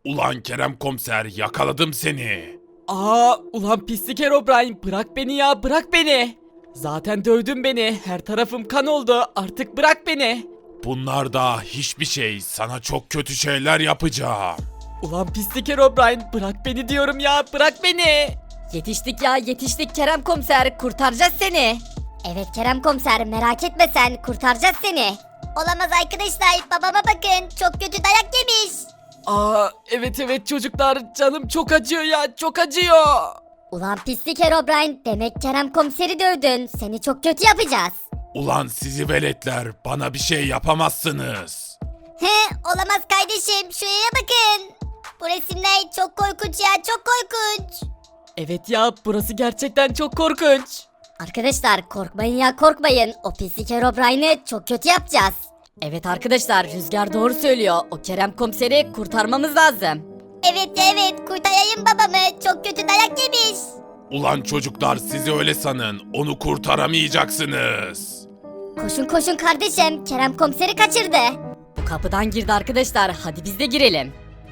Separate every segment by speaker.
Speaker 1: Ulan Kerem komiser yakaladım seni.
Speaker 2: Ulan pislik Herobrine, bırak beni ya, bırak beni. Zaten dövdün beni, her tarafım kan oldu, artık bırak beni.
Speaker 1: Bunlar da hiçbir şey, sana çok kötü şeyler yapacağım.
Speaker 2: Ulan pislik Herobrine, bırak beni diyorum ya, bırak beni.
Speaker 3: Yetiştik ya, yetiştik Kerem komiser, kurtaracağız seni. Evet Kerem komiser, merak etme sen, kurtaracağız seni. Olamaz arkadaşlar, babama bakın, çok kötü dayak yemiş.
Speaker 2: Evet çocuklar, canım çok acıyor ya, çok acıyor.
Speaker 3: Ulan pislik Herobrine, demek Kerem komiseri dövdün, seni çok kötü yapacağız.
Speaker 1: Ulan sizi veletler, bana bir şey yapamazsınız.
Speaker 3: Olamaz kardeşim, şuraya bakın. Bu resimler çok korkunç ya, çok korkunç.
Speaker 2: Evet ya, burası gerçekten çok korkunç.
Speaker 3: Arkadaşlar korkmayın ya, korkmayın, o pislik Herobrine'i çok kötü yapacağız. Evet arkadaşlar, Rüzgar doğru söylüyor, o Kerem komiseri kurtarmamız lazım. Evet kurtarayım babamı, çok kötü dayak yemiş.
Speaker 1: Ulan çocuklar sizi öyle sanın, onu kurtaramayacaksınız.
Speaker 3: Koşun kardeşim, Kerem komiseri kaçırdı. Bu kapıdan girdi arkadaşlar, hadi biz de girelim.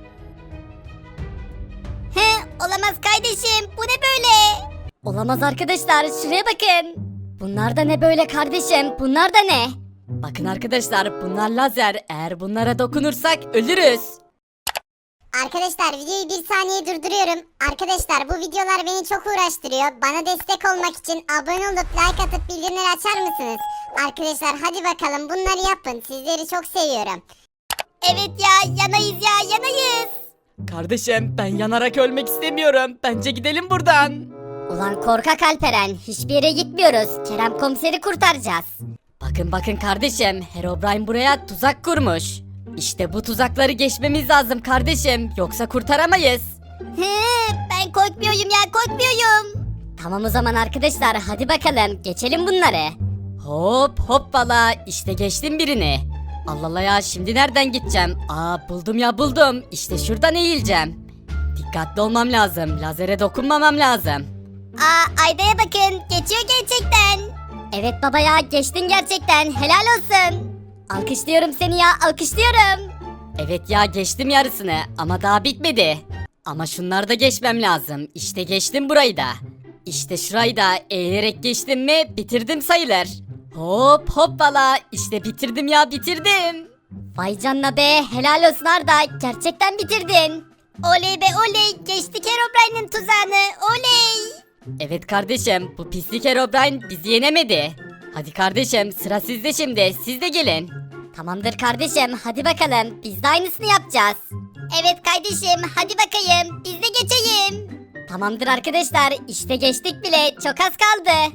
Speaker 3: Olamaz kardeşim, bu ne böyle? Olamaz arkadaşlar, şuraya bakın. Bunlar da ne böyle kardeşim, bunlar da ne? Bakın arkadaşlar, bunlar lazer, eğer bunlara dokunursak ölürüz.
Speaker 4: Arkadaşlar videoyu bir saniye durduruyorum. Arkadaşlar bu videolar beni çok uğraştırıyor. Bana destek olmak için abone olup like atıp bildirimleri açar mısınız? Arkadaşlar hadi bakalım bunları yapın. Sizleri çok seviyorum.
Speaker 3: Evet ya, yanayız ya, yanayız.
Speaker 2: Kardeşim, ben yanarak ölmek istemiyorum, bence gidelim buradan.
Speaker 3: Ulan korkak Alperen, hiçbir yere gitmiyoruz. Kerem komiseri kurtaracağız. Bakın kardeşim, Herobrine buraya tuzak kurmuş. İşte bu tuzakları geçmemiz lazım kardeşim, yoksa kurtaramayız. Ben korkmuyorum ya, korkmuyorum. Tamam o zaman arkadaşlar, hadi bakalım geçelim bunları. Hop hoppala, işte geçtim birini. Allah Allah ya, şimdi nereden gideceğim? Buldum, işte şuradan eğileceğim. Dikkatli olmam lazım, lazere dokunmamam lazım. Ayda'ya bakın, geçiyor gerçekten. Evet baba ya, geçtin gerçekten, helal olsun. Alkışlıyorum seni ya, alkışlıyorum. Evet ya, geçtim yarısını ama daha bitmedi. Ama şunları da geçmem lazım. İşte geçtim burayı da. İşte şurayı da eğilerek geçtim mi bitirdim sayılır. Hop hoppala, işte bitirdim ya, bitirdim. Vay canına be, helal olsun Arda, gerçekten bitirdin. Oley be oley, geçtik Herobrine'in tuzağını, oley. Evet kardeşim, bu pislik Herobrine bizi yenemedi. Hadi kardeşim, sıra sizde şimdi, siz de gelin. Tamamdır kardeşim, hadi bakalım, biz de aynısını yapacağız. Evet kardeşim, hadi bakayım, biz de geçeyim. Tamamdır arkadaşlar, işte geçtik bile, çok az kaldı.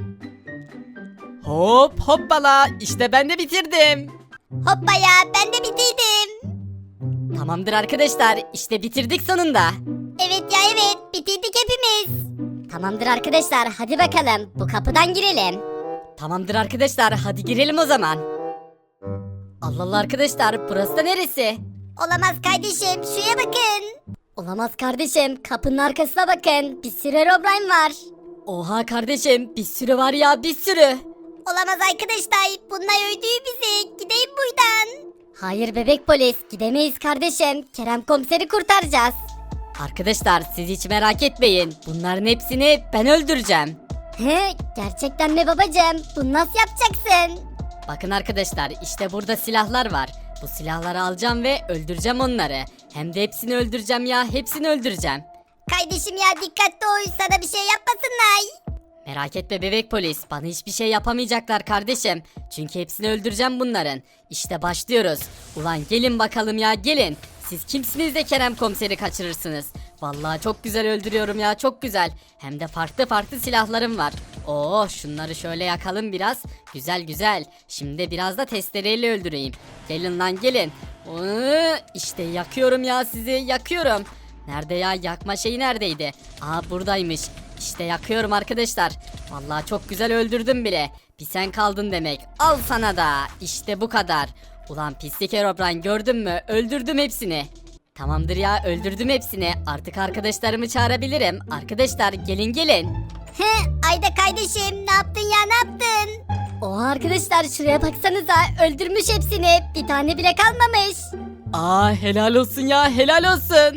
Speaker 2: Hop hoppala, işte ben de bitirdim.
Speaker 3: Hoppa ya, ben de bitirdim. Tamamdır arkadaşlar, işte bitirdik sonunda. Evet ya evet, bitirdik hepimiz. Tamamdır arkadaşlar, hadi bakalım, bu kapıdan girelim. Tamamdır arkadaşlar, hadi girelim o zaman. Allah Allah arkadaşlar, burası da neresi? Olamaz kardeşim, şuraya bakın. Olamaz kardeşim, kapının arkasına bakın, bir sürü Herobrine var. Oha kardeşim, bir sürü var ya, bir sürü. Olamaz arkadaşlar, bunlar öldürüyor bizi, gideyim buradan. Hayır bebek polis, gidemeyiz kardeşim, Kerem komiseri kurtaracağız. Arkadaşlar siz hiç merak etmeyin, bunların hepsini ben öldüreceğim. Gerçekten mi babacığım, bunu nasıl yapacaksın? Bakın arkadaşlar, işte burada silahlar var. Bu silahları alacağım ve öldüreceğim onları. Hem de hepsini öldüreceğim ya, hepsini öldüreceğim. Kardeşim ya, dikkatli ol, sana bir şey yapmasınlar. Merak etme bebek polis, bana hiçbir şey yapamayacaklar kardeşim. Çünkü hepsini öldüreceğim bunların. İşte başlıyoruz. Ulan gelin bakalım ya, gelin. Siz kimsiniz de Kerem komiseri kaçırırsınız? Vallahi çok güzel öldürüyorum ya, çok güzel. Hem de farklı silahlarım var. Şunları şöyle yakalım biraz. Güzel. Şimdi biraz da testereyle öldüreyim. Gelin lan gelin. İşte yakıyorum ya, sizi yakıyorum. Nerede ya, yakma şeyi neredeydi? Buradaymış. İşte yakıyorum arkadaşlar. Vallahi çok güzel öldürdüm bile. Bir sen kaldın demek. Al sana da. İşte bu kadar. Ulan pislik Herobrine, gördün mü? Öldürdüm hepsini. Tamamdır ya, öldürdüm hepsini. Artık arkadaşlarımı çağırabilirim. Arkadaşlar gelin. Ayda kardeşim, ne yaptın ya, ne yaptın? Oha arkadaşlar, şuraya baksanıza, öldürmüş hepsini. Bir tane bile kalmamış.
Speaker 2: Helal olsun ya, helal olsun.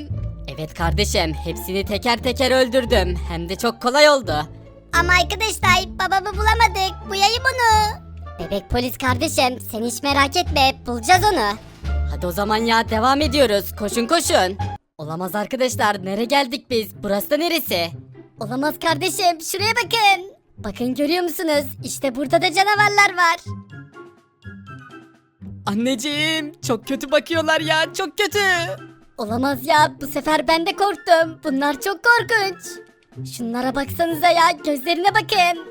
Speaker 3: Evet kardeşim, hepsini teker teker öldürdüm. Hem de çok kolay oldu. Ama arkadaşlar, babamı bulamadık. Buyayım onu. Bebek polis kardeşim, sen hiç merak etme, bulacağız onu. Hadi o zaman ya, devam ediyoruz. Koşun koşun. Olamaz arkadaşlar, nereye geldik biz? Burası da neresi? Olamaz kardeşim, şuraya bakın. Bakın, görüyor musunuz? İşte burada da canavarlar var.
Speaker 2: Anneciğim çok kötü bakıyorlar ya, çok kötü.
Speaker 3: Olamaz ya, bu sefer ben de korktum. Bunlar çok korkunç. Şunlara baksanıza ya, gözlerine bakın.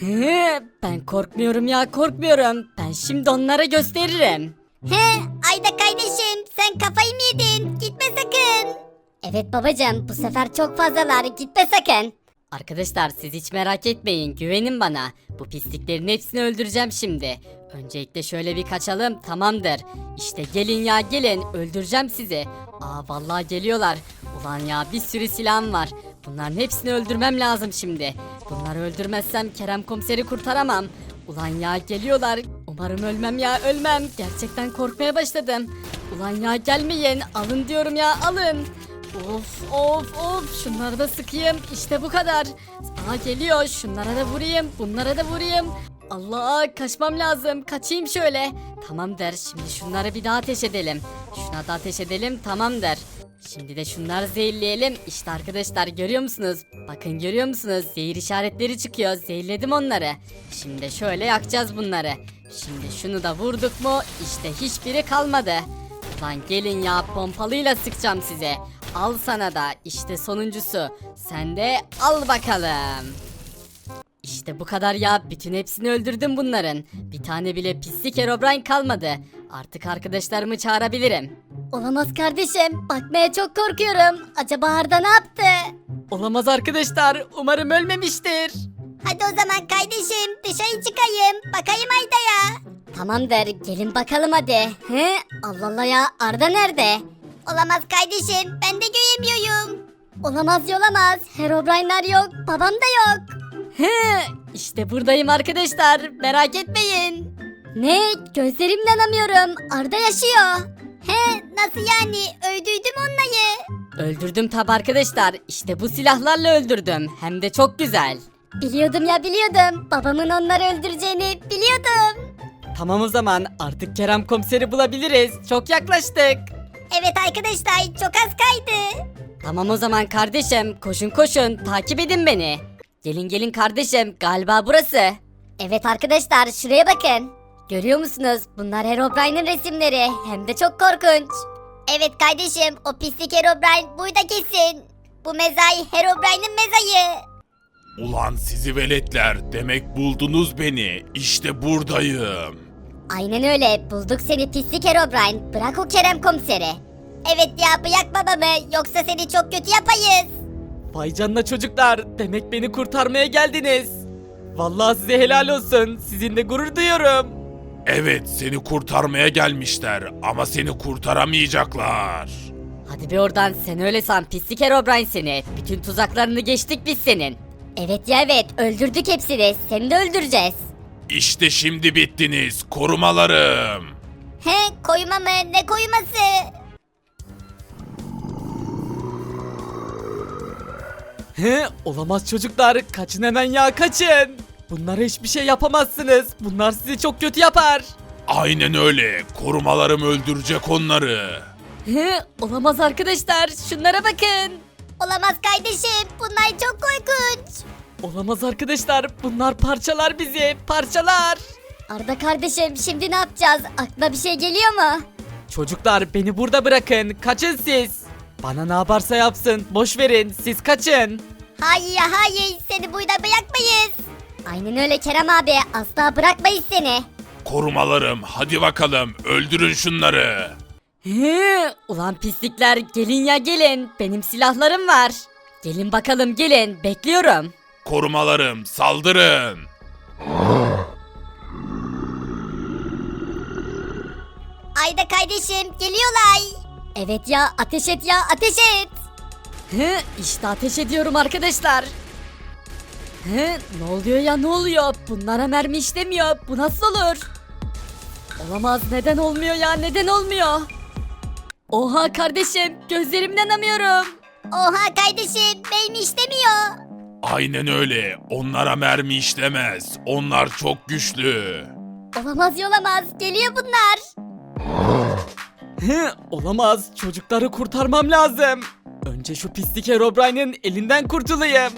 Speaker 3: Ben korkmuyorum ya, korkmuyorum. Ben şimdi onlara gösteririm. He, Ayda kardeşim, sen kafayı mı yedin? Gitme sakın. Evet babacığım, bu sefer çok fazlalar, gitme sakın. Arkadaşlar siz hiç merak etmeyin, güvenin bana. Bu pisliklerin hepsini öldüreceğim şimdi. Öncelikle şöyle bir kaçalım, tamamdır. İşte gelin ya gelin, öldüreceğim sizi. Aa vallahi geliyorlar. Ulan ya, bir sürü silahım var. Bunların hepsini öldürmem lazım şimdi. Bunları öldürmezsem Kerem komiseri kurtaramam. Ulan ya, geliyorlar. Umarım ölmem ya, ölmem. Gerçekten korkmaya başladım. Ulan ya, gelmeyin. Alın diyorum ya, alın. Of of of, şunları da sıkayım. İşte bu kadar. Aa geliyor, şunlara da vurayım, bunlara da vurayım. Allah, kaçmam lazım, kaçayım şöyle. Tamamdır, şimdi şunları bir daha ateş edelim. Şuna da ateş edelim, tamamdır. Şimdi de şunları zehirleyelim. İşte arkadaşlar, görüyor musunuz? Bakın, görüyor musunuz? Zehir işaretleri çıkıyor, zehirledim onları. Şimdi şöyle yakacağız bunları. Şimdi şunu da vurduk mu? İşte hiçbiri kalmadı. Lan gelin ya, pompalıyla sıkacağım size. Al sana da, işte sonuncusu. Sen de al bakalım. İşte bu kadar ya, bütün hepsini öldürdüm bunların. Bir tane bile pislik Herobrine kalmadı. Artık arkadaşlarımı çağırabilirim. Olamaz kardeşim, bakmaya çok korkuyorum. Acaba Arda ne yaptı?
Speaker 2: Olamaz arkadaşlar, umarım ölmemiştir.
Speaker 3: Hadi o zaman kardeşim, dışarı çıkayım. Bakayım Arda'ya. Tamamdır, gelin bakalım hadi. He? Allah Allah ya, Arda nerede? Olamaz kardeşim, ben de göremiyorum. Olamaz yolamaz, Herobrine'ler yok, babam da yok. He, işte buradayım arkadaşlar, merak etmeyin. Ne? Gözlerimle inanamıyorum, Arda yaşıyor. He, nasıl yani? Öldürdüm onları. Öldürdüm tabi arkadaşlar, işte bu silahlarla öldürdüm, hem de çok güzel. Biliyordum ya, biliyordum. Babamın onları öldüreceğini biliyordum.
Speaker 2: Tamam o zaman, artık Kerem komiseri bulabiliriz. Çok yaklaştık.
Speaker 3: Evet arkadaşlar, çok az kaydı. Tamam o zaman kardeşim, koşun koşun, takip edin beni. Gelin gelin kardeşim, galiba burası. Evet arkadaşlar, şuraya bakın. Görüyor musunuz? Bunlar Herobrine'in resimleri, hem de çok korkunç. Evet kardeşim, o pislik Herobrine burada kesin. Bu mezai Herobrine'in mezayı.
Speaker 1: Ulan sizi veletler, demek buldunuz beni. İşte buradayım.
Speaker 3: Aynen öyle, bulduk seni pislik Herobrine. Bırak o Kerem komiseri. Evet ya, bırak babamı, yoksa seni çok kötü yapayız.
Speaker 2: Vay canına çocuklar, demek beni kurtarmaya geldiniz. Vallahi size helal olsun, sizinle gurur duyuyorum.
Speaker 1: Evet, seni kurtarmaya gelmişler ama seni kurtaramayacaklar.
Speaker 3: Hadi bir oradan, sen öyle san pislik Herobrine seni. Bütün tuzaklarını geçtik biz senin. Evet ya evet, öldürdük hepsini, seni de öldüreceğiz.
Speaker 1: İşte şimdi bittiniz korumalarım.
Speaker 3: He, koyma mı, ne koyması?
Speaker 2: He, olamaz çocuklar, kaçın hemen ya, kaçın. Bunlara hiçbir şey yapamazsınız, bunlar sizi çok kötü yapar.
Speaker 1: Aynen öyle, korumalarım öldürecek onları.
Speaker 3: He, olamaz arkadaşlar, şunlara bakın. Olamaz kardeşim, bunlar çok korkunç.
Speaker 2: Olamaz arkadaşlar, bunlar parçalar bizi, parçalar.
Speaker 3: Arda kardeşim, şimdi ne yapacağız? Aklına bir şey geliyor mu?
Speaker 2: Çocuklar beni burada bırakın, kaçın siz. Bana ne yaparsa yapsın, boş verin, siz kaçın.
Speaker 3: Hayır ya hayır, seni burada bırakmayız. Aynen öyle Kerem abi, asla bırakmayız seni.
Speaker 1: Korumalarım, hadi bakalım öldürün şunları.
Speaker 3: He, ulan pislikler, gelin ya gelin, benim silahlarım var. Gelin bakalım gelin, bekliyorum.
Speaker 1: Korumalarım, saldırın.
Speaker 3: Ayda kardeşim, geliyorlar. Evet ya, ateş et ya, ateş et. He, işte ateş ediyorum arkadaşlar. He, ne oluyor ya, ne oluyor? Bunlara mermi işlemiyor, bu nasıl olur? Olamaz, neden olmuyor ya, neden olmuyor? Oha kardeşim, gözlerimden inanamıyorum. Oha kardeşim mermi işlemiyor.
Speaker 1: Aynen öyle. Onlara mermi işlemez. Onlar çok güçlü.
Speaker 3: Olamaz geliyor bunlar.
Speaker 2: Olamaz, çocukları kurtarmam lazım. Önce şu pislik Herobrine'in elinden kurtulayım.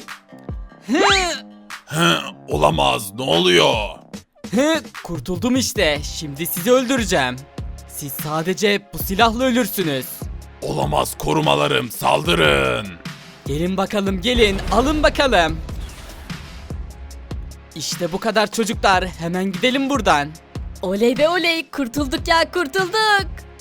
Speaker 1: Olamaz. Ne oluyor?
Speaker 2: Kurtuldum işte. Şimdi sizi öldüreceğim. Siz sadece bu silahla ölürsünüz.
Speaker 1: Olamaz, korumalarım. Saldırın.
Speaker 2: Gelin bakalım, gelin, alın bakalım. İşte bu kadar çocuklar. Hemen gidelim buradan.
Speaker 3: Oley be oley kurtulduk ya kurtulduk.